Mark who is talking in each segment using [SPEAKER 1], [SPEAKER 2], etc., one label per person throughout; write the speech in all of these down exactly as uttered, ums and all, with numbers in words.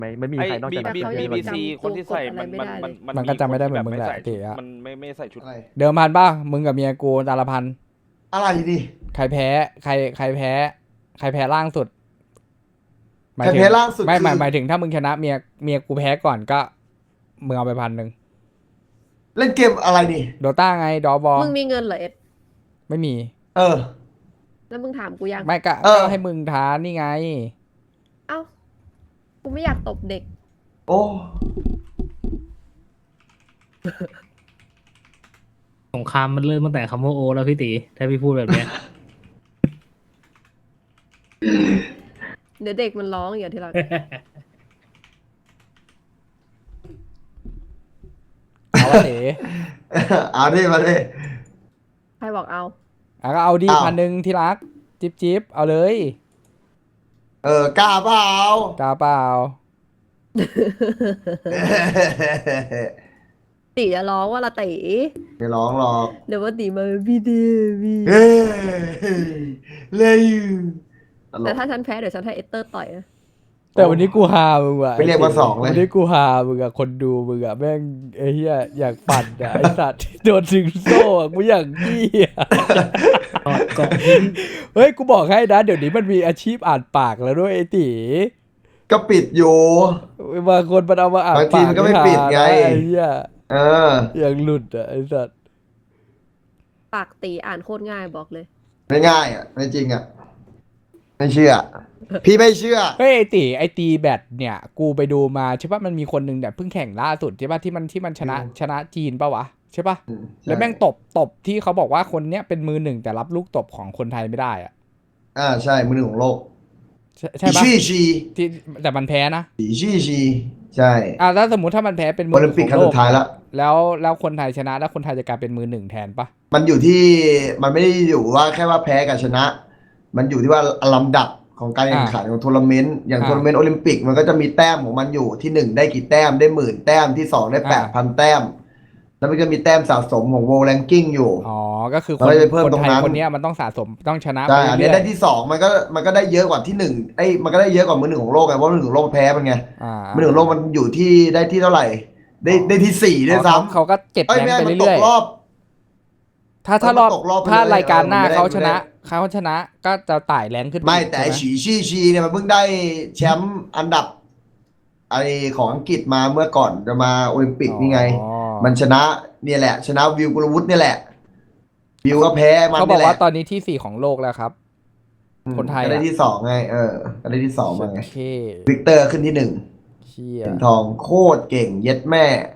[SPEAKER 1] ไม่ไม่มี
[SPEAKER 2] ไอ้
[SPEAKER 1] ใครนอก
[SPEAKER 2] บี
[SPEAKER 1] จากนั้น
[SPEAKER 2] บี
[SPEAKER 1] ที่
[SPEAKER 2] บี
[SPEAKER 1] จะ
[SPEAKER 2] บี
[SPEAKER 1] มา
[SPEAKER 2] ซีคนที่ใส่มันมันมัน
[SPEAKER 3] มันก็จำไม่ได้เหมือน
[SPEAKER 2] ค
[SPEAKER 3] มึงแหละ
[SPEAKER 2] ใส่
[SPEAKER 3] เต๋อะ
[SPEAKER 2] มันไม่ไม่ใส่ชุด
[SPEAKER 4] อะไร
[SPEAKER 3] เดิมพันป่ะมึงกับเมียกูตาละพัน
[SPEAKER 4] อะไรดิ
[SPEAKER 3] ใครแพ้ใครใครแพ้ ใครแพ้ล่างสุดหมาย
[SPEAKER 4] ใคร
[SPEAKER 3] ถึง
[SPEAKER 4] แพ้ล่างสุด
[SPEAKER 3] ไม่หมาย
[SPEAKER 4] คือ
[SPEAKER 3] หมายถึงถ้ามึงชนะเมียเมียกูแพ้ก่อนก็มึงเอาไปพันหนึ่ง
[SPEAKER 4] เล่นเกมอะไรนี่
[SPEAKER 3] โดต้าไงดอบอ
[SPEAKER 5] มึงมีเงินเหรอเอ็ด
[SPEAKER 3] ไม่มี
[SPEAKER 4] เออ
[SPEAKER 5] แล้วมึงถามกูยัง
[SPEAKER 3] ไม่ก็
[SPEAKER 4] เออ
[SPEAKER 3] ก็ให้มึงท้านี่ไง
[SPEAKER 5] เอ้ากูไม่อยากตบเด็ก
[SPEAKER 4] โอ้
[SPEAKER 6] สงครามมันเริ่มตั้งแต่คำว่าโอแล้วพี่ตีถ้าพี่พูดแบบเนี้ย
[SPEAKER 5] เดี๋ยวเด็กมันร้องอย่าที่รัก
[SPEAKER 3] เอาวะเต๋
[SPEAKER 4] เอาดิมาดิ
[SPEAKER 5] ใครบอกเอา
[SPEAKER 3] อ่ะก็เอาดี
[SPEAKER 4] อ้าว
[SPEAKER 3] พันหนึ่งที่รัก จิบจิบเอาเลย
[SPEAKER 4] เออกล้าเปล่าก
[SPEAKER 3] ล้าเปล่า
[SPEAKER 5] ตีจะร้องว่าละตี
[SPEAKER 4] ไม่ร้องหรอก
[SPEAKER 5] เดี๋ยวว่าตีมาพี่เดวี
[SPEAKER 4] เฮ้ยเลยตล
[SPEAKER 5] แต่
[SPEAKER 4] ก
[SPEAKER 5] ถ้าฉันแพ้เดี๋ยวฉันให้เอสเตอร์ต่อยนะ
[SPEAKER 3] แต่วันนี้กูฮามึงว่ะ
[SPEAKER 4] ไปเรียกมาสองเลย
[SPEAKER 3] วันนี้กูฮามึงอะคนดูมึงอะแม่งไอ้เหี้ยอยากปั่นอะไอ้สัตว์ โดนถึงโซ่อะกูอย่างเหี้ย
[SPEAKER 6] กอดเกาะหิน
[SPEAKER 3] เฮ้ยกูบอกให้นะเดี๋ยวนี้มันมีอาชีพอ่านปากแล้วด้วยไอ้ตี
[SPEAKER 4] ก็ปิดอยู่
[SPEAKER 3] บางคนมันเอามาอ่าน
[SPEAKER 4] บางที
[SPEAKER 3] ปาก
[SPEAKER 4] มันก็ไม่ปิดไง
[SPEAKER 3] ไอ้เหี้ย
[SPEAKER 4] เออ
[SPEAKER 3] อย่างหลุดอะไอ้สัตว์
[SPEAKER 5] ปากตีอ่านโคตรง่ายบอกเลย
[SPEAKER 4] ไม่ง่ายอ่ะไม่จริงอ่ะ ไม่เชื่อ พี่ไม่เชื่อ
[SPEAKER 3] เฮ้ยไอ้ตีไอ้ตีแบตเนี่ย กูไปดูมาใช่ปะมันมีคนหนึ่งเนี่ยเพิ่งแข่งล่าสุดใช่ปะที่มันที่มันชนะ
[SPEAKER 4] อืม
[SPEAKER 3] ชนะจีนปะวะใช่ปะ
[SPEAKER 4] อืม
[SPEAKER 3] แล้วแม่งตบตบที่เขาบอกว่าคนเนี้ยเป็นมือหนึ่งแต่รับลูกตบของคนไทยไม่ได้อะ
[SPEAKER 4] อ่าใช่มือหนึ่งของโลก
[SPEAKER 3] ใช่ใช่ปะ
[SPEAKER 4] ชี่ชี
[SPEAKER 3] ที่แต่มันแพ้นะ
[SPEAKER 4] สีชี่ชีใช่
[SPEAKER 3] อ่ะแล้วสมมติถ้ามันแพ้เป็นมื
[SPEAKER 4] โอลิมปิกครั้งสุดท้ายแล้ว
[SPEAKER 3] แล้วแล้วคนไทยชนะแล้วคนไทยจะกลายเป็นมือหนึ่งแทนปะ
[SPEAKER 4] มันอยู่ที่มันไม่ได้อยู่ว่าแค่ว่าแพ้กับชนะ มันอยู่ที่ว่าลำดับของการแข่งขันของทัวร์นาเมนต์อย่างทัวร์นาเมนต์โอลิมปิกมันก็จะมีแต้มของมันอยู่ที่หนึ่งได้กี่แต้มได้หมื่นแต้มที่สองได้แปดพันแต้ม แล้วมันก็มีแต้มสะสมของ World Ranking อยู่
[SPEAKER 3] อ๋อก็คือค
[SPEAKER 4] เรา
[SPEAKER 3] น
[SPEAKER 4] จะไปเพิ่ม
[SPEAKER 3] คน
[SPEAKER 4] ตรง
[SPEAKER 3] ไทย
[SPEAKER 4] นั้น
[SPEAKER 3] คนเนี้ยมันต้องสะสมต้องชนะไป
[SPEAKER 4] ใช่อันนี้
[SPEAKER 3] เรื่อย
[SPEAKER 4] ได้ที่สองมันก็มันก็ได้เยอะกว่าที่หนึ่งไอ้ยมันก็ได้เยอะกว่ามือหนึ่งของโลกไงเพราะมือหนึ่งของโลกแพ้มันไง
[SPEAKER 3] ๆอ่า
[SPEAKER 4] มือหนึ่งของโลกมันอยู่ที่ได้ที่เท่าไหร่ ได้ได้ที่สี่ด้วย
[SPEAKER 3] อ๋อ
[SPEAKER 4] ซ้
[SPEAKER 3] เขาเขาก็เก็บ
[SPEAKER 4] ำเอ้ย
[SPEAKER 3] แรง
[SPEAKER 4] ไม่
[SPEAKER 3] ไป
[SPEAKER 4] มันต
[SPEAKER 3] เรื่อก ย
[SPEAKER 4] รอบ
[SPEAKER 3] ๆถ้าถ้ารอบ
[SPEAKER 4] มันตกรอบไป
[SPEAKER 3] ถ้า
[SPEAKER 4] เลย
[SPEAKER 3] รายการหน้า
[SPEAKER 4] เออมันไม่ได้
[SPEAKER 3] เขาชนะ
[SPEAKER 4] ไม่ได้
[SPEAKER 3] เขาชนะก็จะไต่แรงขึ้นป
[SPEAKER 4] ไม่แต่ไอ้
[SPEAKER 3] ใช่ห
[SPEAKER 4] ฉีชี่ชีเนี่ยมันเพิ่งได้แชมป์อันดับไอของอังกฤษมาเมื่อก่อนจะมาโอลิมปิกนี่ไง
[SPEAKER 3] อ๋อ
[SPEAKER 4] มันชนะเนี่ยแหละ ชนะวิวกุลวุฒิเนี่ยแหละ วิวก็แพ้มัน
[SPEAKER 3] เขาบ
[SPEAKER 4] เนี่
[SPEAKER 3] อย ก
[SPEAKER 4] แห
[SPEAKER 3] ว่า
[SPEAKER 4] ละ
[SPEAKER 3] ตอนนี้ที่สี่ของโลกแล้วครับ คนไทย
[SPEAKER 4] ก็ได้
[SPEAKER 3] อะ
[SPEAKER 4] ที่สองไง เออก็ได้ที่สองมาไง
[SPEAKER 3] โอเค
[SPEAKER 4] วิกเตอร์ขึ้นที่หนึ่ง
[SPEAKER 3] เชี่ย
[SPEAKER 4] เหรียญทองโคตรเก่งเย็ดแม่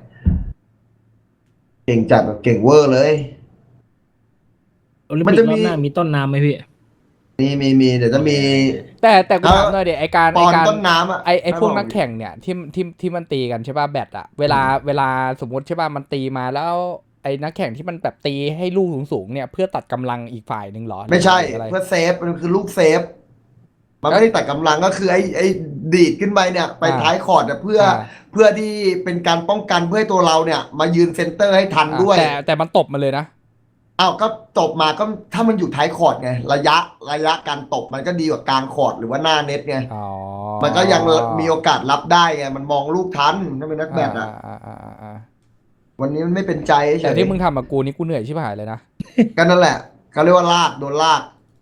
[SPEAKER 4] เก่งจัดแบบเก่งเวอร์เลย
[SPEAKER 6] โอลิม
[SPEAKER 4] มัน
[SPEAKER 6] ปิก
[SPEAKER 4] จะ
[SPEAKER 6] ร
[SPEAKER 4] มี
[SPEAKER 6] อบหน้ามีต้นน้ำไหมพี่
[SPEAKER 4] มีมีมีเดี๋ยวจะมี
[SPEAKER 3] แต่แต่กูถามหน่อยเดี๋ยวไอการ
[SPEAKER 4] ป
[SPEAKER 3] ไอ
[SPEAKER 4] อน
[SPEAKER 3] การ
[SPEAKER 4] ต้นน้ำอ่ะ
[SPEAKER 3] ไอไอพวกนักแข่งเนี่ยที่ที่ที่มันตีกันใช่ป่ะแบตอะเวลาเวลาสมมติใช่ป่ะมันตีมาแล้วไอนักแข่งที่มันแบบตีให้ลูกสูงๆเนี่ยเพื่อตัดกำลังอีกฝ่ายหนึ่งเหรอ
[SPEAKER 4] ไม่ใช่
[SPEAKER 3] หรืออะไร
[SPEAKER 4] เพื่อเซฟมันคือลูกเซฟ มันไม่ได้ตัดกำลังก็คือไอ้ไอ้ดีดขึ้นไปเนี่ย ไปท้ายคอร์ดเนี่ยเพื่อเพื่อที่เป็นการป้องกันเพื่อให้ตัวเราเนี่ย มายืนเซนเตอร์ให้ทันด้วย
[SPEAKER 3] แต่แต่มันตบมาเลยนะ
[SPEAKER 4] อ้าวก็ตบมาก็ถ้ามันอยู่ท้ายคอร์ดไงระยะระยะการตบมันก็ดีกว่ากลางคอร์ดหรือว่าหน้าเน็ตไง
[SPEAKER 3] อ๋อ
[SPEAKER 4] มันก็ยังมีโอกาสรับได้ไงมันมองลูกทันถ้าเป็นนักแบดอ่ะ
[SPEAKER 3] อ่าอ่าอ่าอ่า
[SPEAKER 4] วันนี้มันไม่เป็นใจเฉ
[SPEAKER 3] แต่
[SPEAKER 4] ย
[SPEAKER 3] ที่มึงทำกับกูนี่กูเหนื่อยชิบหายเลยนะ
[SPEAKER 4] ก็นั่นแหละเขาเรียกว่าลากโดนลาก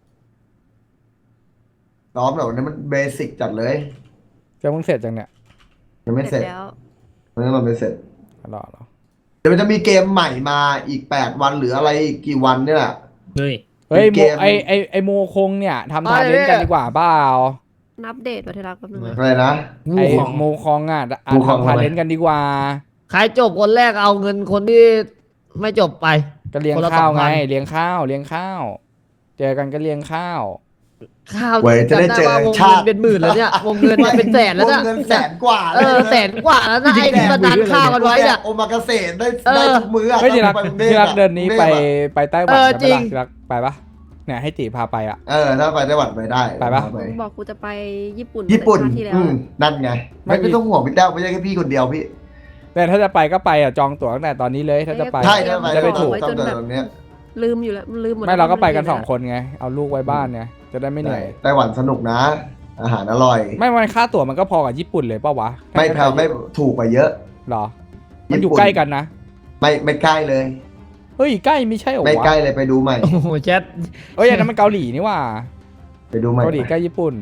[SPEAKER 4] ซ้อมแบบนี้มันเบสิกจัดเลย
[SPEAKER 3] จะมึงเสร็จจังเนี่ย
[SPEAKER 4] ยังไม่เสร็จ
[SPEAKER 5] แล้ว
[SPEAKER 4] มันยังไม่เสร็จ
[SPEAKER 3] รอเหรอ
[SPEAKER 4] เดี๋ยวมันจะมีเกมใหม่มาอีกแปดวันหรืออะไรอีกกี่วันเนี่ยแหละ
[SPEAKER 6] เฮ้ย
[SPEAKER 3] เฮ้ย
[SPEAKER 4] เก
[SPEAKER 3] โม
[SPEAKER 4] ม
[SPEAKER 3] ไอไอไอโมคงเนี่ยทำทาเลนต์กันดีกว่าเปล่า
[SPEAKER 5] นับเดทมาที่รักแป๊บนึงนะ
[SPEAKER 4] อะไรนะ
[SPEAKER 3] ไอ
[SPEAKER 6] งูของ
[SPEAKER 3] โมคองอ่ะอ่ะ
[SPEAKER 4] โมคอง
[SPEAKER 3] ทำทา
[SPEAKER 4] ทำไม
[SPEAKER 3] เลนต์กันดีกว่า
[SPEAKER 7] ใครจบคนแรกเอาเงินคนที่ไม่จบไป
[SPEAKER 3] ก็เลี้ยง
[SPEAKER 7] คนละ
[SPEAKER 3] ข้าว
[SPEAKER 7] สองพั
[SPEAKER 3] ไง
[SPEAKER 7] น
[SPEAKER 3] เลี้ยงข้าวเลี้ยงข้าว เจอกันก็เลี้ยงข้าว
[SPEAKER 7] ข้าว
[SPEAKER 4] เว้ยจะได้เจอ
[SPEAKER 7] ว่าวง
[SPEAKER 4] ชา
[SPEAKER 7] เงิ
[SPEAKER 4] ติ
[SPEAKER 7] นเป็นหมื่นแล้วเนี่ยวงเงินมันเป็นแสนแล้วเนี่ยว
[SPEAKER 4] งเงินแสนกว่า
[SPEAKER 7] เออแสนกว่าแล้วนะไอ้ที่มาดันข้าวกันไว้เนี่ย
[SPEAKER 4] โอมากาเสะได้
[SPEAKER 7] เออ
[SPEAKER 4] ได้ทุกมื้ออะ
[SPEAKER 3] เฮ้ยที่รัก
[SPEAKER 4] ไปรุงทพ
[SPEAKER 3] ที่รัก
[SPEAKER 4] อะ
[SPEAKER 3] เดินนี้ไป
[SPEAKER 4] กรุงทพอะ
[SPEAKER 3] ไปไต้หวั
[SPEAKER 7] เอน อ
[SPEAKER 3] ใช่ไหม
[SPEAKER 7] จริง
[SPEAKER 3] ล่ะที่รักไปปะเนี่ยให้ตีพาไปอ่ะ
[SPEAKER 4] เออถ้าไปไต้หวันไปได้
[SPEAKER 3] ไปปะ
[SPEAKER 4] ไป
[SPEAKER 5] มึงบอกกูจะไปญี่ปุ่น
[SPEAKER 4] ญี่ปุ่น
[SPEAKER 5] ชาติที่แล้ว
[SPEAKER 4] อืมนั่นไง
[SPEAKER 3] ไม่
[SPEAKER 4] ไม่ไม่ต้องห่วงพี่แต้วไม่ใช่แค่พี่คนเดียวพี่
[SPEAKER 3] แต่ถ้าจะไปก็ไปอ่ะจองตั๋วตั้งแต่ตอนนี้เลยถ้าจะไป
[SPEAKER 4] ใช่ถ้าไป
[SPEAKER 3] จะได้
[SPEAKER 4] ต้
[SPEAKER 3] ถู
[SPEAKER 4] อง
[SPEAKER 3] ก
[SPEAKER 4] ต้องเดินตรงเนี้ย
[SPEAKER 5] ลืมอยู่แล้วลืมหมด
[SPEAKER 3] ไม่เราก็ไปกัน
[SPEAKER 5] ลืม
[SPEAKER 3] สองคนไงเอาลูกไว้บ้านไงจะได้ไม่เหนื่อย
[SPEAKER 4] ไต้หวันสนุกนะอาหารอร่อย
[SPEAKER 3] ไม่ไม่ค่าตั๋วมันก็พอกับญี่ปุ่นเลยเปล่าวะ
[SPEAKER 4] ไม่แพงไม่ถูกกว่าเยอะ
[SPEAKER 3] หรอ มันอยู่
[SPEAKER 4] ญี่ปุ่น
[SPEAKER 3] ใกล้กันนะ
[SPEAKER 4] ไม่ไม่ใกล้เลย
[SPEAKER 3] เฮ้ยใกล้ไม่ใช่เหรอ
[SPEAKER 4] ไม่
[SPEAKER 3] วะ
[SPEAKER 4] ใกล้เลยไปดูใหม่
[SPEAKER 7] โอ้โหแชท
[SPEAKER 3] เอ้ยอันนั้นมันเกาหลีนี่ว่า
[SPEAKER 4] ไปดูใหม่
[SPEAKER 3] เกาหลีใกล้ญี่ปุ่น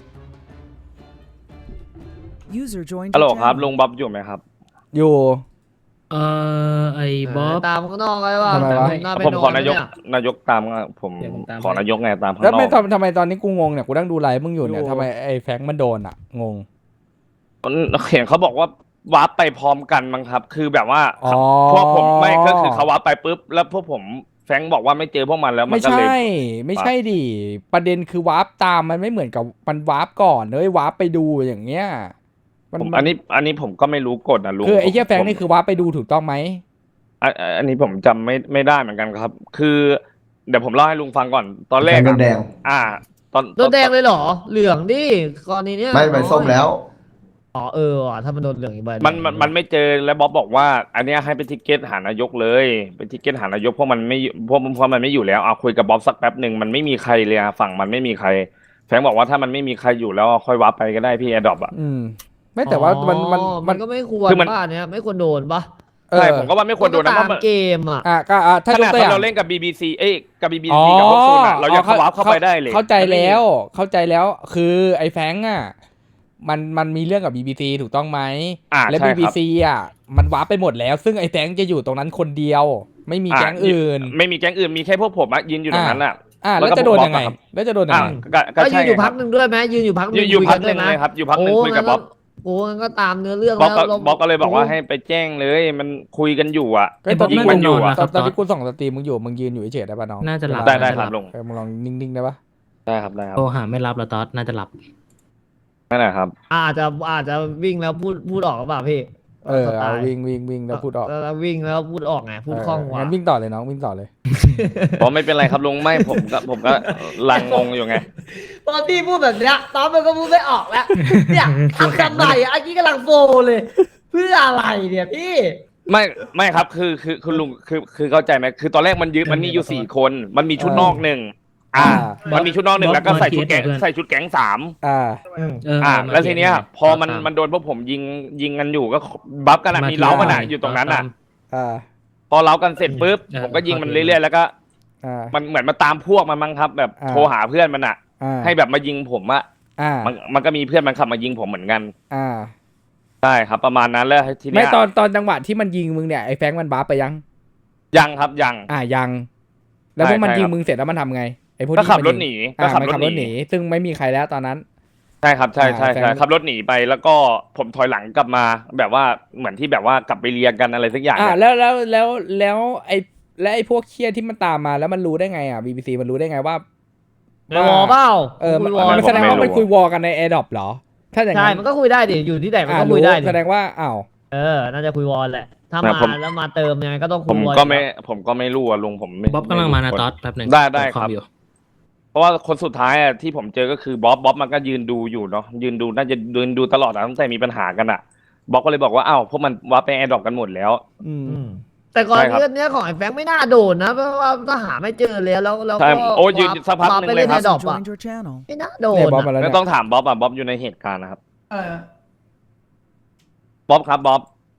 [SPEAKER 1] User joined
[SPEAKER 2] ฮัลโหล
[SPEAKER 1] your
[SPEAKER 2] ครับ
[SPEAKER 1] channel.
[SPEAKER 2] ลุงบ๊อบอยู่ไหมครับ
[SPEAKER 3] อยู่
[SPEAKER 6] เอ่อไอ้บ๊อบ
[SPEAKER 7] ตามข้างนอกไว้ว่า
[SPEAKER 3] ทำไมวะ
[SPEAKER 7] หน้าไป
[SPEAKER 2] ผม
[SPEAKER 7] นอ
[SPEAKER 2] ขอน นายก
[SPEAKER 7] เนี่ย
[SPEAKER 2] นายกตามผม
[SPEAKER 6] เดี๋ยวผมตาม
[SPEAKER 2] ขอนายกไงตามข้าง
[SPEAKER 3] แล้ว
[SPEAKER 2] นอ
[SPEAKER 3] ไม่
[SPEAKER 2] ก
[SPEAKER 3] ทำทำไมตอนนี้กูงงเนี่ยกูนั่งดูไลฟ์มึงอยู่เนี่ย
[SPEAKER 2] อยู่
[SPEAKER 3] ทำไมไอ้แฟรงค์มันโดนอ่ะงง
[SPEAKER 2] เห็นเขาบอกว่าวาร์ปไปพร้อมกันมั้งครับ คือแบบว่า
[SPEAKER 3] อ๋อ
[SPEAKER 2] พวกผมไม่ก็คือเขาวาร์ปไปปุ๊บแล้วพวกผมแฟรงค์บอกว่าไม่เจอพวกมันแล้วมั
[SPEAKER 3] ไม่
[SPEAKER 2] นก็เลย
[SPEAKER 3] ใช่ ไม่ใช่ดิประเด็นคือวาร์ปตามมันไม่เหมือนกับมันวาร์ปก่อนเลยวาร์ปไปดูอย่างเงี้ยมัน
[SPEAKER 2] ผมอันนี้อันนี้ผมก็ไม่รู้กฎนะลุง
[SPEAKER 3] คือไอ้เหี้ย
[SPEAKER 2] ผม
[SPEAKER 3] แฟรงค์นี่คือวาร์ปไปดูถูกต้องไหม
[SPEAKER 2] อันอันนี้ผมจำไม่ไม่ได้เหมือนกันครับ คือเดี๋ยวผมเล่าให้ลุงฟังก่อนตอนแรก
[SPEAKER 4] โด
[SPEAKER 2] อะ
[SPEAKER 4] นแดง
[SPEAKER 2] อ่า ตอน
[SPEAKER 7] โดนแดงเลยเหรอ เหลืองดิกรณีเนี้ย
[SPEAKER 4] ไม่ไปส้มแล้ว
[SPEAKER 7] อ๋อเออว่ะถ้ามันโดนเหลืองอีกใบหง
[SPEAKER 2] มันมันมันไม่เจอแล้วบ๊อบบอกว่า อันเนี้ยให้เป็นทิเก็ตหานายกเลยเป็นทิเก็ตหานายกเพราะมันไม่เพราะเพราะมันไม่อยู่แล้วเอาคุยกับบ๊อบสักแป๊บหนึ่งมันไม่มีใครเลยอะฝั่งมันไม่มีใครแฟรงค์บอกว่าถ้ามันไม่มีใครอยู่แล้วค่อยวับไปก็ได้พี่แอดดอปอะ
[SPEAKER 3] อืม ไม่แต่ว่ามันมัน
[SPEAKER 7] อ๋อ
[SPEAKER 3] มั
[SPEAKER 7] มัน นก็ไม่ควร
[SPEAKER 2] คือมัน
[SPEAKER 7] ป่ะเนี้ยไม่ควรโดนป่ะ
[SPEAKER 3] เออ
[SPEAKER 2] ใช่ผมก็ว่าไม่ควรโดนนะเพ
[SPEAKER 7] ตา
[SPEAKER 2] ราะ
[SPEAKER 7] ม
[SPEAKER 2] มัน
[SPEAKER 7] เกมอ่ะ
[SPEAKER 3] อ่ะก็อ่ะถ้า
[SPEAKER 2] ข
[SPEAKER 3] ยก
[SPEAKER 2] นาด
[SPEAKER 3] ตัวอ
[SPEAKER 2] ตอน
[SPEAKER 3] ย่าง
[SPEAKER 2] เราเล่นกับ บี บี ซี เอ้ยกับ บี บี
[SPEAKER 3] อ๋อ
[SPEAKER 2] ซี กับพวกซูนอะเรายังเข้าวับเข้าไปได้เลย
[SPEAKER 3] เข้าใจแล้วเข้าใจแล้วคือไอ้แฟรงค์อ่ะมันมันมีเรื่องกับ บี บี ซี ถูกต้องไหม
[SPEAKER 2] อ่า
[SPEAKER 3] และ
[SPEAKER 2] ใช่
[SPEAKER 3] บี
[SPEAKER 2] ค
[SPEAKER 3] บี
[SPEAKER 2] รับ
[SPEAKER 3] ซีอ่ะมันวาร์ปไปหมดแล้ว ซึ่งไอ้แฟรงค์จะอยู่ตรงนั้นคนเดียว ไม่มีแก๊งอื่น
[SPEAKER 2] ไม่มีแก๊งอื่นมีแค่พวกผมอะยืนอยู่ตรงนั้นอะ
[SPEAKER 3] อ่ะ
[SPEAKER 2] แล้
[SPEAKER 3] แล้ว
[SPEAKER 2] วก็
[SPEAKER 3] จะโดน
[SPEAKER 2] ผม
[SPEAKER 3] ยังไง
[SPEAKER 2] บล็อกอะครับ
[SPEAKER 3] แล้วจะโดนยั
[SPEAKER 2] อ่ะ
[SPEAKER 3] งไง
[SPEAKER 2] ก็ก็
[SPEAKER 7] ก็ยื
[SPEAKER 2] ใช่
[SPEAKER 7] นอยู่
[SPEAKER 2] ค
[SPEAKER 7] พั
[SPEAKER 2] รั
[SPEAKER 7] ก
[SPEAKER 2] บ
[SPEAKER 7] หนึ่งด้วยไหมยืนอยู่พักห
[SPEAKER 2] ยื
[SPEAKER 7] นึ่
[SPEAKER 2] น
[SPEAKER 7] ง
[SPEAKER 2] อยู่
[SPEAKER 7] คุย
[SPEAKER 2] พั
[SPEAKER 7] กั
[SPEAKER 2] ก
[SPEAKER 7] น
[SPEAKER 2] ห
[SPEAKER 7] ด้ว
[SPEAKER 2] นึ่
[SPEAKER 7] ย
[SPEAKER 2] ง
[SPEAKER 7] นะ
[SPEAKER 2] เลยครับอยู่พักห
[SPEAKER 7] โอ้
[SPEAKER 2] นึ่งคุยกับบ๊อบ
[SPEAKER 7] โอ้งั้นก็ตามเนื้อเรื่อง
[SPEAKER 2] บ๊อบ
[SPEAKER 7] แล้ว
[SPEAKER 2] ก็
[SPEAKER 7] เรา
[SPEAKER 2] บ๊อบก็เลยบอกว่า
[SPEAKER 7] โ
[SPEAKER 2] ให้ไปแจ้งเลย มันคุยกันอยู่อะ
[SPEAKER 3] เฮ้ยตอนนี้
[SPEAKER 2] ยิง
[SPEAKER 3] มึ
[SPEAKER 2] กัน
[SPEAKER 3] ง
[SPEAKER 2] อยู่อะ
[SPEAKER 3] ตอนตอนที่กูส่องสตรีมมึงอยู่มึงยืนอยู่เฉยๆได้ป่ะน้อง
[SPEAKER 6] น่าจะหลับ
[SPEAKER 2] ได้ได้
[SPEAKER 6] น่า
[SPEAKER 2] ค
[SPEAKER 6] จะ
[SPEAKER 2] รับ
[SPEAKER 6] ห
[SPEAKER 2] ลุ
[SPEAKER 6] ลับ
[SPEAKER 2] ง
[SPEAKER 3] เออมึงลองนิ่งๆได้ป่ะ
[SPEAKER 2] ได้ครับได้ครับ
[SPEAKER 6] โทรหาไม่รับแล้วตอสน่าจะหลับ
[SPEAKER 2] นั่นแหละครับ
[SPEAKER 7] อาจจะอาจจะวิ่งแล้วพูดพูดออกหรือเปล่าพี่
[SPEAKER 3] เออ
[SPEAKER 7] สไต
[SPEAKER 3] เอา
[SPEAKER 7] ล์
[SPEAKER 3] วิ่งวิ่งวิ่งแล้วพูดออก
[SPEAKER 7] แล้ววิ่งแล้วพูดออกไงพูดคล่องกว่า
[SPEAKER 3] งั้นวิ่งต่อเลยน้องวิ่งต่อเลย
[SPEAKER 2] ผมไม่เป็นไรครับลุงไม่ผมก็ผมก็ลังงงอยู่ไง
[SPEAKER 7] ตอนพี่พูดแบบเนี้ยตอนมันก็พูดไม่ออกแล้ว เนี่ยทำทำไมอ่ะไอ้กี้กำลังโฟเลย เพื่ออะไรเนี่ยพี่
[SPEAKER 2] ไม่ไม่ครับคือคือคือลุงคือคือเข้าใจไหมคือตอนแรกมันยึดมันมีอยู่สี่คน มันมีชุดนอกหนึ่งอ่า
[SPEAKER 3] อ่า
[SPEAKER 2] มันมีชุดนอกหนึ่งแล้วก็ใส่ชุดแก๊ง
[SPEAKER 6] เพื่อน
[SPEAKER 2] ใส่ชุดแก๊งสาม
[SPEAKER 3] อ่า
[SPEAKER 6] เออ
[SPEAKER 2] อ่า
[SPEAKER 6] มา
[SPEAKER 2] แล้วทีเนี้ย
[SPEAKER 6] เทียบ
[SPEAKER 2] พอมัน
[SPEAKER 6] ตาม
[SPEAKER 2] มันโดนพวกผมยิงยิงกันอยู่ก็บัฟกันอะมีเล้ากันอะอยู่ตรงนั้นอะ
[SPEAKER 3] อ่า
[SPEAKER 2] พอเล้ากันเสร็จปุ๊บ
[SPEAKER 6] เออ
[SPEAKER 2] ผมก็ยิงมัน
[SPEAKER 6] เข้าใจ
[SPEAKER 2] เรื่อยๆแล้วก็
[SPEAKER 3] อ่า
[SPEAKER 2] มันเหมือนมาตามพวกมันมั้งครับ แบบ
[SPEAKER 3] อ่า
[SPEAKER 2] โทรหาเพื่อนมันอะ
[SPEAKER 3] อ่า
[SPEAKER 2] ให้แบบมายิงผมอะ
[SPEAKER 3] อ่า
[SPEAKER 2] มันมันก็มีเพื่อนมันขับมายิงผมเหมือนกัน
[SPEAKER 3] อ่า
[SPEAKER 2] ใช่ครับ ประมาณนั้นแล้วที
[SPEAKER 3] ไม่
[SPEAKER 2] เนี้ย
[SPEAKER 3] ตอนตอนจังหวะที่มันยิงมึงเนี่ยไอ้แฟรงค์มันบ้าไปยัง
[SPEAKER 2] ยังครับยัง
[SPEAKER 3] อ่ายัง แล้ว
[SPEAKER 2] ใช่
[SPEAKER 3] พวกมัน
[SPEAKER 2] ใช่
[SPEAKER 3] ยิง
[SPEAKER 2] ครับ
[SPEAKER 3] มึงเสร็จแล้วมันทำไงไอ้พวก
[SPEAKER 2] ก็
[SPEAKER 3] ที่
[SPEAKER 2] ขับ
[SPEAKER 3] มัน
[SPEAKER 2] ร
[SPEAKER 3] ยิ
[SPEAKER 2] ถ
[SPEAKER 3] ง
[SPEAKER 2] หนีก็
[SPEAKER 3] อ่า
[SPEAKER 2] ขับ
[SPEAKER 3] มัน
[SPEAKER 2] รถ
[SPEAKER 3] ขับ
[SPEAKER 2] ห
[SPEAKER 3] ร
[SPEAKER 2] นี
[SPEAKER 3] ถหนี ซึ่งไม่มีใครแล้วตอนนั้น
[SPEAKER 2] ใช่ครับใช่ใช่
[SPEAKER 3] อ่าแฟ
[SPEAKER 2] ใช่
[SPEAKER 3] น
[SPEAKER 2] ขับรถหนีไปแล้วก็ผมถอยหลังกลับมา แบบว่าเหมือนที่แบบว่ากลับไปเรียนกันอะไรสักอย่าง
[SPEAKER 3] อ่า
[SPEAKER 2] เนี่ย
[SPEAKER 3] แล้วแล้วแล้วแล้วไอ้และไอ้พวกเคียที่มันตามมาแล้วมันรู้ได้ไงอ่ะ บี บี ซี มันรู้ได้ไงว่า
[SPEAKER 7] ในวอลเปล่า
[SPEAKER 3] เออมัน
[SPEAKER 7] คุยวอล
[SPEAKER 3] มันแสดงว่ามันคุยวอลกันในแอร์ดรอปเหรอ ถ้าอย่าง
[SPEAKER 7] ใช่
[SPEAKER 3] นั้น
[SPEAKER 7] มันก็คุยได้ดิอยู่ที่ไหนมัน
[SPEAKER 3] อ่า
[SPEAKER 7] ก็คุ
[SPEAKER 3] รู้
[SPEAKER 7] ยได้ดิ
[SPEAKER 3] แสดงว่าอ้าว
[SPEAKER 7] เออน่าจะคุยวอลแหละ ถ้า
[SPEAKER 2] นะ
[SPEAKER 7] มา
[SPEAKER 2] ผม
[SPEAKER 7] แล้วมาเติมยังไงก็ต้องคุ
[SPEAKER 2] ผ
[SPEAKER 7] ย
[SPEAKER 2] ม
[SPEAKER 7] วอล
[SPEAKER 2] ก็ไม่ผมก็ไม่รู้อะลุงผมไม่
[SPEAKER 6] บ๊อบกำลังมานะ
[SPEAKER 2] ไรู้
[SPEAKER 6] ตอสแป๊บหนึ่ง
[SPEAKER 2] ได้ได้
[SPEAKER 6] เปิ
[SPEAKER 2] ครับ
[SPEAKER 6] อมอยู่
[SPEAKER 2] เพราะว่าคนสุดท้ายอะที่ผมเจอก็คือบ๊อบบ๊อบมันก็ยืนดูอยู่เนาะยืนดูน่าจะยืนดูตลอดอะตั้งแต่มีปัญหากันอะบ๊อบก็เลยบอกว่าอ้าวพวกมันวับไปแอร์ดรอปกันหมดแล้ว
[SPEAKER 3] อืม
[SPEAKER 7] อืมแต่ก่อน
[SPEAKER 2] ใช่ครับ
[SPEAKER 7] เรื่องเนี้ยของไอ้แฟงไม่น่าโดนนะเพราะว่าถ้าหาไม่เจอแล้วแล้วแล้ว
[SPEAKER 2] ใช่
[SPEAKER 7] ก็
[SPEAKER 2] โอ้ยืนสักพักหนึ่ง
[SPEAKER 7] ไป
[SPEAKER 2] เลย
[SPEAKER 7] เล่น
[SPEAKER 2] ครั
[SPEAKER 7] ใน
[SPEAKER 2] บ
[SPEAKER 7] ดอก
[SPEAKER 1] User
[SPEAKER 7] อ่ะ
[SPEAKER 1] joined your channel.
[SPEAKER 7] ไม่น่าโด
[SPEAKER 3] เนี่ย
[SPEAKER 7] น
[SPEAKER 3] บอส
[SPEAKER 7] อะ
[SPEAKER 3] มาแล้ว
[SPEAKER 2] ก็
[SPEAKER 3] เนี่ย
[SPEAKER 2] ต้องถามบ๊อบอะบ๊อบอยู่ในเหตุการณ์นะครับ
[SPEAKER 8] อะไรนะ
[SPEAKER 2] บ๊อบครับบ๊อบ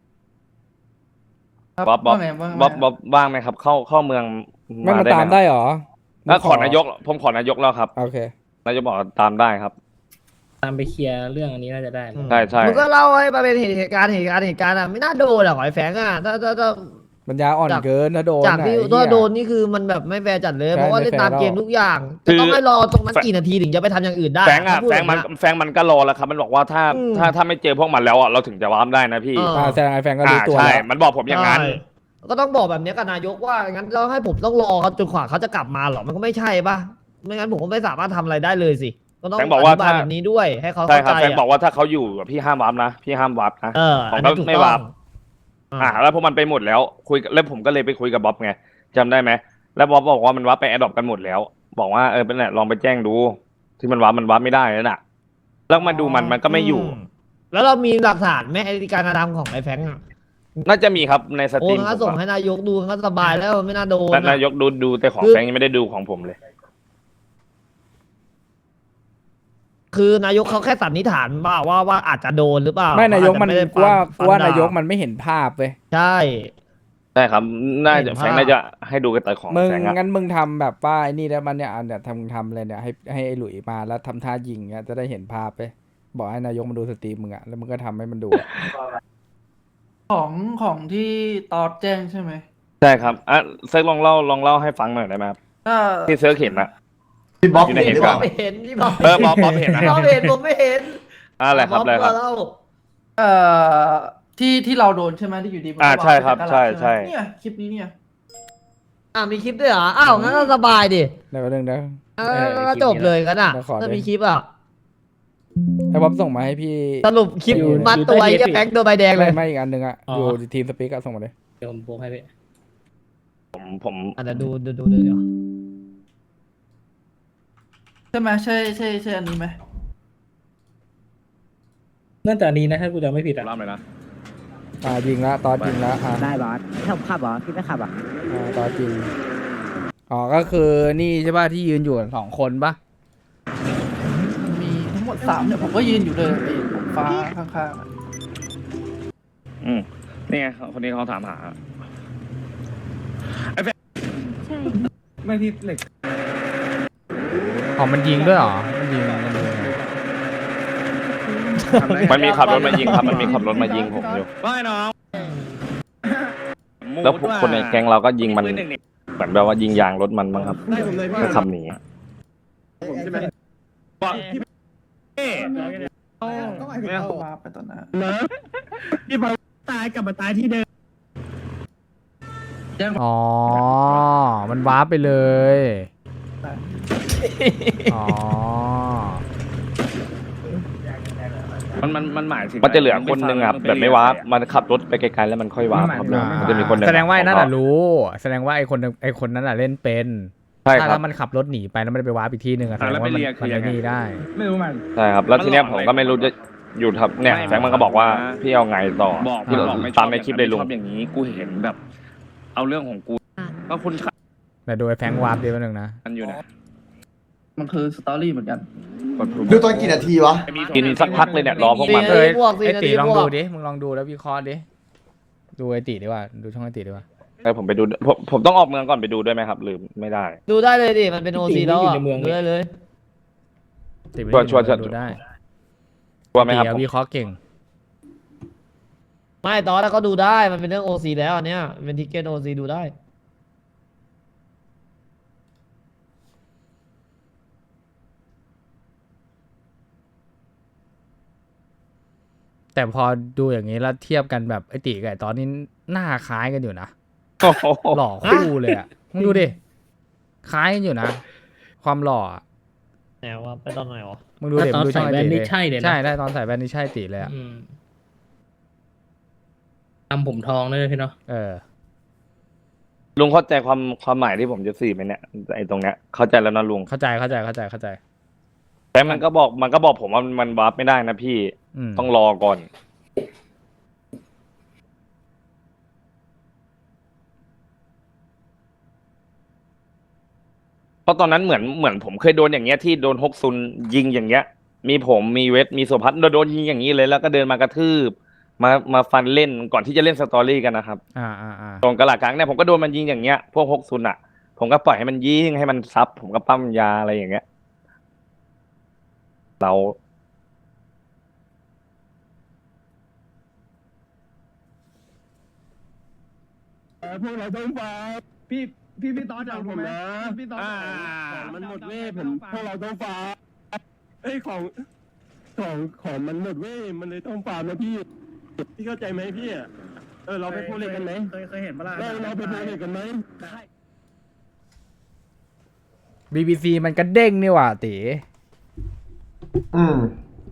[SPEAKER 8] ครับ
[SPEAKER 2] บ๊อบบ๊อบ
[SPEAKER 8] ว่าไงว่าไง
[SPEAKER 2] บ๊อบบ๊อบว่างไหมครับ เข้าเข้าเมือง
[SPEAKER 3] ไม่มา
[SPEAKER 2] ห
[SPEAKER 3] ตาม
[SPEAKER 2] ห
[SPEAKER 3] ได้เหรอ
[SPEAKER 2] แล้วขอนายก ผมขอนายกแล้วครับ
[SPEAKER 3] โอเค
[SPEAKER 2] นายกบอกตามได้ครับ
[SPEAKER 6] ตามไปเคลียร์เรื่องอันนี้น่าจะได้นะ
[SPEAKER 2] ใช่ใช่
[SPEAKER 7] มันก็เล่าให้มาเป็นเหตุการณ์เหตุการณ์เหตุการณ์อ่ะไม่น่าโดนหรอกไอ้แฟงอ่ะถ้าถ้าถ้า
[SPEAKER 3] ปัญญาอ่อน
[SPEAKER 7] จาก
[SPEAKER 3] เกินถ้าโดน
[SPEAKER 7] จากที่
[SPEAKER 3] ไหน
[SPEAKER 7] ถ้า
[SPEAKER 3] เหี้ย
[SPEAKER 7] โดนนี่คือมันแบบไม่แฟร์จัดเลย
[SPEAKER 3] ใช่
[SPEAKER 7] เพราะว่าเล่นตาม
[SPEAKER 3] ไม่แฟร์
[SPEAKER 7] เกมทุกอย่าง
[SPEAKER 2] คื
[SPEAKER 7] จะ
[SPEAKER 2] อ
[SPEAKER 7] ต้องให้รอตรงนั้นกี่นาทีถึงจะไปทำอย่างอื่นได้
[SPEAKER 2] แฟงอะ
[SPEAKER 7] ถ้าพูด
[SPEAKER 2] แฟงมัน
[SPEAKER 7] บบเย
[SPEAKER 2] แฟงมันก็รอแล้วครับ มันบอกว่าถ้า
[SPEAKER 7] อืม
[SPEAKER 2] ถ้าถ้าไม่เจอพวกมันแล้วอะเราถึงจะวาร์ปได้นะพี่
[SPEAKER 7] เออ
[SPEAKER 3] อ่าแสดงไอ้แฟนก็รู้
[SPEAKER 2] อ่า
[SPEAKER 3] ตัว
[SPEAKER 2] ใช่
[SPEAKER 3] แล้ว
[SPEAKER 2] มันบอกผมอย่างนั้น
[SPEAKER 7] ใช่ก็ต้องบอกแบบเนี้ยกับนายกว่างั้นเราให้ผมต้องรอเขาจนกว่าเขาจะกลับมาเหรอมันก็ไม่ใช่ป่ะไม่งั้นผมก็ไม่สามารถทำอะไรได้เลยสิก็ต้อง
[SPEAKER 2] แฟงบอกว่า
[SPEAKER 7] ธิบาย
[SPEAKER 2] ถ้า
[SPEAKER 7] แบบนี้ด้วยให้เขา
[SPEAKER 2] ใช่
[SPEAKER 7] เข้า
[SPEAKER 2] ครับ
[SPEAKER 7] ใจ
[SPEAKER 2] แฟงบอ
[SPEAKER 7] อะ
[SPEAKER 2] กว่าถ้าเขาอยู่อะพี่ห้ามวาร์ปนะ พี่ห้ามวาร์ปนะ
[SPEAKER 7] เออ
[SPEAKER 2] ผม
[SPEAKER 7] อัน
[SPEAKER 2] ก็
[SPEAKER 7] นั้นถูก
[SPEAKER 2] ไม่
[SPEAKER 7] ต้อง
[SPEAKER 2] วาร์ป อ่าแล้วพวกมันไปหมดแล้ว คุยแล้วผมก็เลยไปคุยกับบ๊อบไงจำได้ไหมแล้วบ๊อบบอกว่ามันวาร์ปไปแอดดอปกันหมดแล้ว บอกว่าเออเป็นแหละลองไปแจ้งดู ที่มันวาร์ปมันวาร์ปไม่ได้แล้วน่ะ แล้วมาดูมันมันก็ไม่อยู่
[SPEAKER 7] มแล้วเรามีหลักฐานไหมไอ้การกระทำของไอ้แฟงอะ
[SPEAKER 2] น่าจะมีครับในสต
[SPEAKER 7] โอ้
[SPEAKER 2] รีม
[SPEAKER 7] งั้นก็
[SPEAKER 2] ผ
[SPEAKER 7] ส่ง
[SPEAKER 2] ม
[SPEAKER 7] ให้นายกดูงั้นก็สบายแล้วไม่น่าโดน
[SPEAKER 2] แต่
[SPEAKER 7] อะ
[SPEAKER 2] นายกดูดูแต่ของ
[SPEAKER 7] คือ
[SPEAKER 2] แฟงยังไม่ได้ดูของผมเลย
[SPEAKER 7] คือนายกเขาแค่สันนิษฐานว่าว่าว่าอาจจะโดนหรือเปล่า
[SPEAKER 3] ไม่นายกมัน
[SPEAKER 7] อจจะไได้
[SPEAKER 3] กูว่า
[SPEAKER 7] ฟัง
[SPEAKER 3] กูว่า
[SPEAKER 7] ฟัง
[SPEAKER 3] นายก
[SPEAKER 7] ด่
[SPEAKER 3] มันไม่เห็นภาพเว้ย
[SPEAKER 7] ใช่
[SPEAKER 2] ใช่ครับ น่า
[SPEAKER 7] เห็
[SPEAKER 2] จะ
[SPEAKER 7] น
[SPEAKER 2] แฟรงค์
[SPEAKER 7] ภาพ
[SPEAKER 2] น่าจะให้ดูกันแต่ของ
[SPEAKER 3] มึง
[SPEAKER 2] แฟรงค์อะ
[SPEAKER 3] งั้นมึงทำแบบว่าไอ้นี่ได้มันเนี่ยอันเนี่ยทำทำเลยเนี่ยให้ให้ไอ้หลุยมาแล้วทำท่ายิงเงี้ยจะได้เห็นภาพไปบอกให้นายกมันดูสตรีมมึงอะแล้วมึงก็ทำให้มันดูอะ
[SPEAKER 8] ของของที่ตอดแจ้งใช่ไหม
[SPEAKER 2] ใช่ครับอ่ะเซิร์กลองเล่าลองเล่าให้ฟังหน่อยได้ไหมครับ
[SPEAKER 8] ถ้า
[SPEAKER 2] ที่เซิร์กเห็นนะ
[SPEAKER 4] พี่บ๊อบ
[SPEAKER 2] อยู่ใน
[SPEAKER 4] เห็น
[SPEAKER 2] เห
[SPEAKER 4] ห
[SPEAKER 2] ตุ
[SPEAKER 4] รือเป
[SPEAKER 2] การ
[SPEAKER 4] ล่า
[SPEAKER 2] ณ์
[SPEAKER 7] เห็นพี่บ๊อบ
[SPEAKER 2] เออบ๊อบบ๊อบเห็นนะ
[SPEAKER 7] พี่บ๊อบเห็นผมไม่เห็น
[SPEAKER 2] อะไรครับอะไรครับ
[SPEAKER 7] มาเล่า
[SPEAKER 8] เอ่อที่ที่เราโดนใช่ไหมที่อยู่ดีมัน
[SPEAKER 2] อ่า
[SPEAKER 8] ก็วง
[SPEAKER 2] ใช่ครับ
[SPEAKER 8] ไปจากตลาด
[SPEAKER 2] ใช่ใช่
[SPEAKER 8] ไหมเนี่ยคลิปนี้เนี่ย
[SPEAKER 7] อ่ามีคลิปด้วยเหรออ้าวงั้นก็สบายดิ
[SPEAKER 3] ได้ประเด็นนะ
[SPEAKER 7] เออก็จบเลยกันอ่ะ
[SPEAKER 3] เดี๋ยวขอ
[SPEAKER 7] ถ้า
[SPEAKER 3] ด้วย
[SPEAKER 7] มีคลิปอ่ะ
[SPEAKER 3] ไอ้บ๊อบส่งมาให้พี่
[SPEAKER 7] สรุปคลิป
[SPEAKER 3] อยู่
[SPEAKER 7] มัดตัวไอ้แค่แพ็คโดนใบแดงเล
[SPEAKER 3] ไม่
[SPEAKER 7] ย
[SPEAKER 3] ไม่อีกอันหนึ่งอะ
[SPEAKER 6] อ๋อ
[SPEAKER 3] อ
[SPEAKER 6] อ
[SPEAKER 3] ยู่ทีมสปีกอะส่งมาเลย
[SPEAKER 6] เดี๋ยวผมโพสให้พี่
[SPEAKER 2] ผมผม
[SPEAKER 7] อ่ะเดี๋ยวดูดูดูดูเดี๋ยว
[SPEAKER 8] ใช่ไหมใช่ใช่ใช่อันนี้ไหม
[SPEAKER 6] น่าจะอันนี้นะถ้ากูจำไม่ผิดอ่ะ
[SPEAKER 2] เล่าหน่อยนะ
[SPEAKER 3] อ่ายิงแล้วตอนยิงแล้วอ่า
[SPEAKER 9] ได้บอสขับขับเหรอพี่ไม่ขับอ่ะ
[SPEAKER 3] อ่าตอนยิงอ๋อก็คือนี่ใช่ป่ะที่ยืนอยู่กันสองคนปะ
[SPEAKER 8] มันมีทั้งหมดสามเนี่ยผมก็ยืนอยู่เลยไอ้ฟ้าข้างๆอะ
[SPEAKER 2] อืมนี่ไงคนนี้เขาถามหา
[SPEAKER 8] ไม่พี่เหล็ก
[SPEAKER 3] อ๋อมันยิงด้วยเหรอมันยิงมันยิง
[SPEAKER 2] มันมีขับรถมายิงครับมันมีขับรถมายิงผมอยู่
[SPEAKER 10] ไม่น้อง
[SPEAKER 2] แล้วพวกคนในแก๊งเราก็ยิงมันเหมือนแบบว่ายิงยางรถมันมั้งครับ
[SPEAKER 10] ได้ผมเลยพี่
[SPEAKER 2] ก็ขับหนี
[SPEAKER 10] ผมใช่ไหมบอกพี่เอ๊ะ
[SPEAKER 8] ไม่เอามาไปตอนนั้น
[SPEAKER 10] เหรอพี่พอตายกลับมาตายที่เดิม
[SPEAKER 3] อ๋อมันวาร์ปไปเลยอ๋อ
[SPEAKER 2] มันมันมันหมายถึงมันจะเหลือคนหนึงครับแบบไม่วาร์ปมันขับรถไปไกลๆแล้วมันค่อยวาร์ปครับลุงมันจะมีคนหนึง
[SPEAKER 3] แสดงว่าไอ้นั่นน่ะรู้ แสดงว่าไอ้คนไอ้คนนั้นน่ะเล่นเป็น
[SPEAKER 2] ใช่ค
[SPEAKER 3] ถ้า
[SPEAKER 2] รั
[SPEAKER 3] แล้
[SPEAKER 2] บ
[SPEAKER 3] วมันขับรถหนีไปแล้วมันไปวาร์ปอีกที่หนึ่งอะแสดงว่ามันมันไอ้นี่ได้
[SPEAKER 10] ไม่รู้มัน
[SPEAKER 2] ใช่ครับแล้วทีเนี้ยผมก็ไม่รู้จะอยู่ทับเนี่ยแฟรงค์มันก็บอกว่าพี่เอาไงต่อ
[SPEAKER 10] บอก
[SPEAKER 2] ที่
[SPEAKER 10] บอกไม่ชอบ
[SPEAKER 2] ตามในคลิปเลยลุง
[SPEAKER 10] ชอบอย่างนี้กูเห็นแบบ เอาเรื่องของกูก็คุณขับ
[SPEAKER 3] แต่ดูไอ้แฟรงค์วาร์ปดีแป๊บนึงนะ
[SPEAKER 10] กันอยู่นะ
[SPEAKER 8] มันคือสตอรี่เหมือนกัน
[SPEAKER 4] ดูตอนกี่นาทีวะ
[SPEAKER 2] กินสักพักเลยเนี่ยรอพวกมัน
[SPEAKER 7] เอ้ยพวกสิ
[SPEAKER 3] ไอ้ตี
[SPEAKER 7] นาที
[SPEAKER 3] ลอง
[SPEAKER 7] พว
[SPEAKER 3] ดู
[SPEAKER 7] ก
[SPEAKER 3] ดิ มึงลองดูแล้ววิเคราะห์ดิ ดูไอ้ตีดีกว่า ดูช่องไอ้ตีดีกว่า
[SPEAKER 2] ให้ผมไปดูผมผมต้องออกเมืองก่อนไปดูด้วยไหมครับหรือไม่ได้
[SPEAKER 7] ดูได้เลยดิมันเป็นโอซีแล้วอ่ะดูได้เลย
[SPEAKER 3] ตีไม่
[SPEAKER 2] ชัวร์
[SPEAKER 3] ได้
[SPEAKER 2] ชัวร์
[SPEAKER 3] ดูได้
[SPEAKER 2] ว่าไหมครับ
[SPEAKER 3] ตีอะ
[SPEAKER 2] ผม
[SPEAKER 3] วิเคราะห์เก่ง
[SPEAKER 7] ไม่ตอนแล้วก็ดูได้มันเป็นเรื่องโอซีแล้วอันเนี้ยเป็นทิกเก็ตโอซีดูได้
[SPEAKER 3] แต่พอดูอย่างนี้แล้วเทียบกันแบบไอ้ตีกับไอ้ตอนนี้หน้าคล้ายกันอยู่นะ
[SPEAKER 2] โอ้โห
[SPEAKER 3] หล่อคู่เลยอ่ะ มึงดูดิ คล้ายกันอยู่นะ ความหล่ออะ
[SPEAKER 7] แนวว่าไปตอนไหนวะ
[SPEAKER 3] มึงดูเด็ก
[SPEAKER 6] ตอน
[SPEAKER 3] ดูช่อง
[SPEAKER 6] ใส่
[SPEAKER 3] ไอ้
[SPEAKER 6] แว่
[SPEAKER 3] ตี
[SPEAKER 6] น
[SPEAKER 3] เล
[SPEAKER 6] นี่
[SPEAKER 3] ย
[SPEAKER 6] ใช่เลยนะ
[SPEAKER 3] ใช่ได้ตอนใส่แว่นนี่ใช่ตีเลยอ่ะ
[SPEAKER 6] อืมทำผมทองด้วยพี่เนาะ
[SPEAKER 3] เออ
[SPEAKER 2] ลุงเข้าใจความความหมายที่ผมจะสื่อไหมเนี่ยไอ้ตรงเนี้ยเข้าใจแล้วนะลุง
[SPEAKER 3] เข้าใจเข้าใจเข้าใจเข้าใจ
[SPEAKER 2] แต่มันก็บอกมันก็บอกผมว่ามันวาร์ปไม่ได้นะพี่
[SPEAKER 3] อืม
[SPEAKER 2] ต้องรอก่อน เพราะตอนนั้นเหมือนเหมือนผมเคยโดนอย่างเงี้ยที่โดนฮกซุนยิงอย่างเงี้ย มีผมมีเวทมีสุพัฒน์โดนยิงอย่างนี้เลยแล้วก็เดินมากระทืบมามาฟันเล่นก่อนที่จะเล่นสตอรี่กันนะครับ
[SPEAKER 3] อ่าอ่าอ่า
[SPEAKER 2] ตรงกระหลาดกลางเนี่ยผมก็โดนมันยิงอย่างเงี้ยพวกฮกซุนอ่ะ ผมก็ปล่อยให้มันยิงให้มันซับผมก็ปั้มยาอะไรอย่างเงี้ย เรา
[SPEAKER 10] พวกเราต้องฟ้าพี่พี่พี่ตอนจากผมนะพี่ตอนมันหมดเว้ยผมพวกเราต้องฟ้าเอ้ยของของของมันหมดเว้ยมันเลยต้องฟาร์มนะพี่พี่เข้าใจไหมพี่เออเราไปพูดเล่นกันไหมเคยเคยเห็นปะล่ะเราเราไปพูดเล่นกันไหม
[SPEAKER 3] บีบีซีมันก็เด้งนี่หว่าตี
[SPEAKER 4] อืม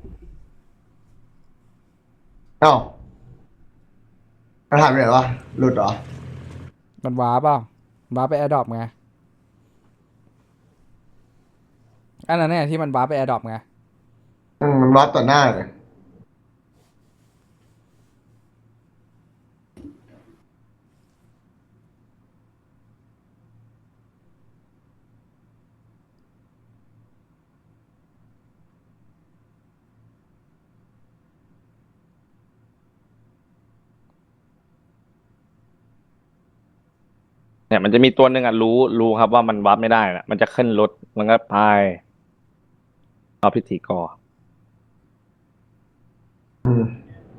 [SPEAKER 4] เอ้ามันหายไปไหนวะหลุดเหรอ
[SPEAKER 3] มันว้าเปล่าว้าไปแอร์ดรอปไง อันนั้นเนี่ยที่มันว้าไปแอร์ดรอปไง
[SPEAKER 4] อืมมันวัดต่อหน้าเลย
[SPEAKER 2] เนี่ยมันจะมีตัวหนึ่งอ่ะรู้รู้ครับว่ามันวับไม่ได้นะมันจะขึ้นรถแล้วก็พายเอาพิธีกร
[SPEAKER 4] อืม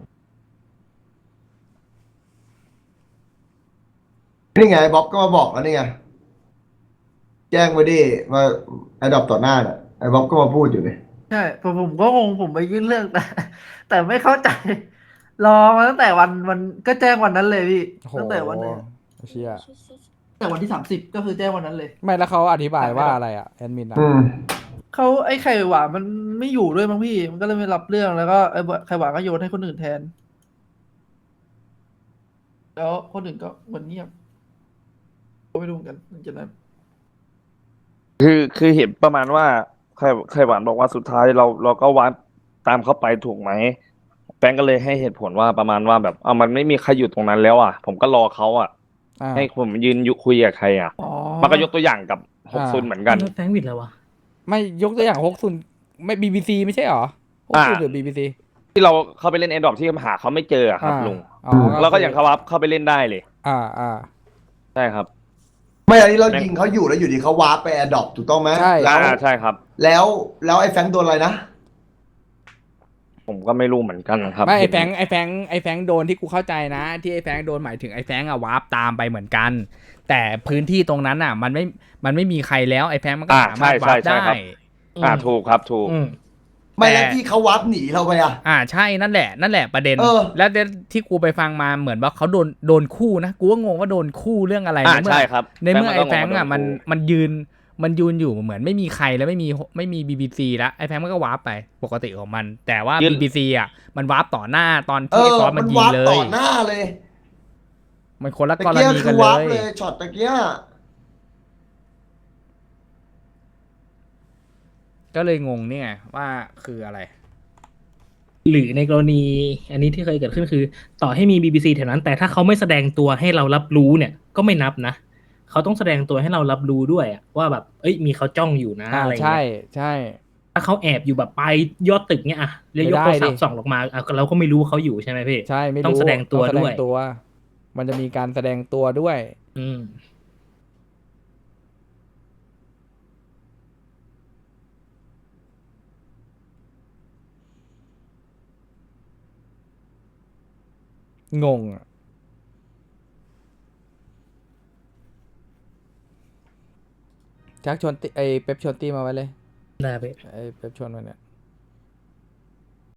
[SPEAKER 4] นี่ไงบ๊อบก็มาบอกแล้วนี่ไงแจ้งไว้ดิมาไอ้ดอกต่อหน้าน่ะไอ้บ๊อบก็มาพูดอยู่เลย
[SPEAKER 8] ใช่ผมผมก็งงผมไปยื่นเรื่องแต่ แต่ไม่เข้าใจ รอมาตั้งแต่วันวันก็แจ้งวันนั้นเลยพี่
[SPEAKER 3] โอ้โห
[SPEAKER 8] ตั้งแต่วันไหน
[SPEAKER 3] เชี่ย
[SPEAKER 8] ตั้งแต่วันที่สามสิบก็คือแจ้งวันนั้นเลย
[SPEAKER 3] ไม่แล้วเขาอธิบายว่าอะไรอ่ะแอดมินอ่ะ
[SPEAKER 4] อืม
[SPEAKER 8] เขาไอ้ไข่หวานมันไม่อยู่ด้วยมั้งพี่ มันก็เลยไม่รับเรื่องแล้วก็ไอ้ไข่หวานก็โยนให้คนอื่นแทน แล้วคนอื่นก็เหมือนเงียบก็ไม่รู้เหมือนกันหลังจากนั้น
[SPEAKER 2] คือคือเห็นประมาณว่าไข่ไข่หวานบอกว่าสุดท้ายเราเราก็วัดตามเข้าไปถูกไหมแฟงก็เลยให้เหตุผลว่าประมาณว่าแบบเอามันไม่มีใครอยู่ตรงนั้นแล้วอ่ะ ผมก็รอเขาอ่ะ
[SPEAKER 3] อ่า
[SPEAKER 2] ให้ผมยืนอยู่คุยกับใครอ่ะ
[SPEAKER 8] อ๋อ
[SPEAKER 2] มันก็ยกตัวอย่างกับหกซุนเหมือนกัน
[SPEAKER 6] แล้วแฟงวิดแล้ววะ
[SPEAKER 3] ไม่ยกตัวอย่างฮกซุนไม่บีบีซีไม่ใช่หรอฮกซุน
[SPEAKER 2] อ่า
[SPEAKER 3] หรือบีบีซี
[SPEAKER 2] ที่เราเข้าไปเล่นแอนดรอปที่หาเขาไม่เจออะครับลุง
[SPEAKER 3] อ๋อ
[SPEAKER 2] แล้วก็อย่างเขาวับเข้าไปเล่นได้เลย
[SPEAKER 3] อ่าอ่า
[SPEAKER 2] ใช่ครับ
[SPEAKER 4] ไม่อันนี้เรายิงเขาอยู่แล้วอยู่ดีเขาวาร์ปไปแอร์ดรอปถูกต้องไหม
[SPEAKER 3] ใช่
[SPEAKER 4] แล้ว
[SPEAKER 2] อ่าใช่ครับ
[SPEAKER 4] แล้วแล้วไอ้แฟรงค์โดนอะไรนะ
[SPEAKER 2] ผมก็ไม่รู้เหมือนกันครับ
[SPEAKER 3] ไม่ไอ
[SPEAKER 2] เห็น
[SPEAKER 3] แฟงไอแฟงไอแฟงโดนที่กูเข้าใจนะ ที่ไอแฟงโดนหมายถึงไอแฟงอะวาร์ปตามไปเหมือนกัน แต่พื้นที่ตรงนั้นอะมันไม่มันไม่มีใครแล้วไอแฟงมันก็
[SPEAKER 2] อ่า
[SPEAKER 3] สามารถ
[SPEAKER 2] ใช่
[SPEAKER 3] วาร์ป
[SPEAKER 2] ใช่
[SPEAKER 3] ได้
[SPEAKER 2] ครับ อ่าถูกครับถูก
[SPEAKER 6] อืม
[SPEAKER 4] ไม่
[SPEAKER 3] แต่
[SPEAKER 4] แล้วที่เขาวาร์ปหนีเราไปอ่ะ
[SPEAKER 3] อ่าใช่นั่นแหละนั่นแหละประเด็น
[SPEAKER 4] เออ
[SPEAKER 3] แล้วที่กูไปฟังมาเหมือนว่าเขาโดนโดนคู่นะกูก็งงว่าโดนคู่เรื่องอะไร
[SPEAKER 2] อ่า
[SPEAKER 3] ในเมื่อ
[SPEAKER 2] ใช่ครับ
[SPEAKER 3] ในเมื่อไอแฟง
[SPEAKER 2] ก็งงว่า
[SPEAKER 3] อะ
[SPEAKER 2] โด
[SPEAKER 3] มัน
[SPEAKER 2] คู่
[SPEAKER 3] มันยืนมันยืนอยู่เหมือนไม่มีใครแล้วไม่มีไม่มีบีบีซีแล้วไอแฟงมันก็วาร์ปไปปกติของมัน แต่ว่า
[SPEAKER 2] ยืน
[SPEAKER 3] บีบีซีอะมันวาร์ปต่อหน้าตอน
[SPEAKER 4] เอ
[SPEAKER 3] ที่ไอ
[SPEAKER 4] อ
[SPEAKER 3] ฟอส
[SPEAKER 4] มั
[SPEAKER 3] มัน
[SPEAKER 4] น
[SPEAKER 3] ยิง
[SPEAKER 4] วาร์ป
[SPEAKER 3] เล
[SPEAKER 4] ต่อย หน้าเลย
[SPEAKER 3] มันคนละ
[SPEAKER 4] ตะ
[SPEAKER 3] กร
[SPEAKER 4] เกีย
[SPEAKER 3] ณี
[SPEAKER 4] คื
[SPEAKER 3] กัน
[SPEAKER 4] อ
[SPEAKER 3] เล
[SPEAKER 4] วาร์ป
[SPEAKER 3] ย
[SPEAKER 4] เลยช็อตตะเกีย
[SPEAKER 3] ก็เลยงงเนี่ยว่าคืออะไร
[SPEAKER 6] หรือในกรณีอันนี้ที่เคยเกิดขึ้นคือ ต่อให้มี บี บี ซี แถวนั้น แต่ถ้าเขาไม่แสดงตัวให้เรารับรู้เนี่ย ก็ไม่นับนะเขาต้องแสดงตัวให้เรารับรู้ด้วยอะว่าแบบเอ้ยมีเขาจ้องอยู่นะ
[SPEAKER 3] อ่า
[SPEAKER 6] อะไร
[SPEAKER 3] ใช่
[SPEAKER 6] เงี้ย
[SPEAKER 3] ใช่
[SPEAKER 6] ถ้าเขาแอบอยู่แบบปลายยอดตึกเนี่ยอะแล้วยกโทรศัพ
[SPEAKER 3] ไม่ได้
[SPEAKER 6] ท์
[SPEAKER 3] ดิ
[SPEAKER 6] ส่องลงมาอ่ะเราก็ไม่รู้ว่าเขาอยู่ใช่ไหมพี่
[SPEAKER 3] ใช่ไม่รู้
[SPEAKER 6] ต้องแสดงตัว
[SPEAKER 3] ต้องแสด
[SPEAKER 6] ด้
[SPEAKER 3] ง
[SPEAKER 6] วย
[SPEAKER 3] ตัว มันจะมีการแสดงตัวด้วย
[SPEAKER 6] อืม
[SPEAKER 3] งงอะจักชวนติไอเป๊ปชวนตี้มาไว้เลย
[SPEAKER 6] ได้พี่
[SPEAKER 3] ไอเป๊ปชวนมาเนี่ย